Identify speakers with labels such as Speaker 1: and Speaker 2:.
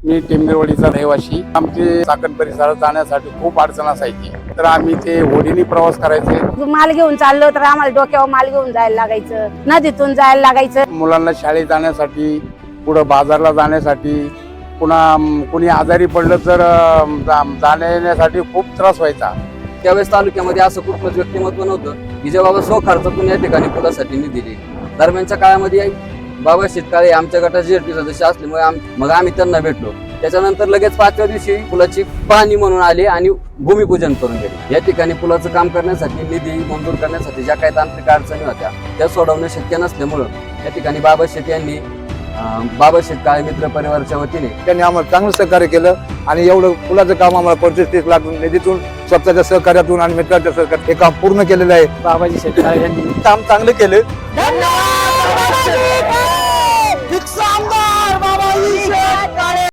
Speaker 1: मी टेंबेवाडीचा रहिवासी. आमचे चाकण परिसरात जाण्यासाठी खूप अडचण असायची, तर आम्ही ते होडीने प्रवास करायचे.
Speaker 2: माल घेऊन चाललो तर आम्हाला डोक्यावर माल घेऊन जायला लागायचं, नदीतून जायला लागायचं.
Speaker 1: मुलांना शाळेत जाण्यासाठी, पुढं बाजारला जाण्यासाठी, पुन्हा कोणी आजारी पडलं तर जाण्या येण्यासाठी खूप त्रास व्हायचा.
Speaker 3: त्यावेळेस तालुक्यामध्ये असं कुठलंच व्यक्तिमत्व नव्हतं की जे बाबा स्वखर्चातून या ठिकाणी पुलासाठी निधी दिली. दरम्यानच्या काळामध्ये बाबा शेतकाळे आमच्या गटाचे जेडपी सदस्य असल्यामुळे मग आम्ही त्यांना भेटलो. त्याच्यानंतर लगेच 5व्या दिवशी पुलाची पाहणी म्हणून आले आणि भूमिपूजन करून गेले. या ठिकाणी पुलाचं काम करण्यासाठी, निधी मंजूर करण्यासाठी ज्या काही तांत्रिक अडचणी होत्या त्या सोडवणं शक्य नसल्यामुळं या ठिकाणी बाबा शेत यांनी बाबा शेतकाळे मित्र परिवाराच्या वतीने
Speaker 4: त्यांनी आम्हाला चांगलं सहकार्य केलं आणि एवढं पुलाचं काम आम्हाला 25-30 लाख निधीतून, स्वतःच्या सहकार्यातून आणि मित्राच्या सहकार्यातून हे काम पूर्ण केलेलं आहे.
Speaker 5: बाबाजी शेतकाळे यांनी
Speaker 4: काम चांगलं केलं.
Speaker 2: धन्यवाद.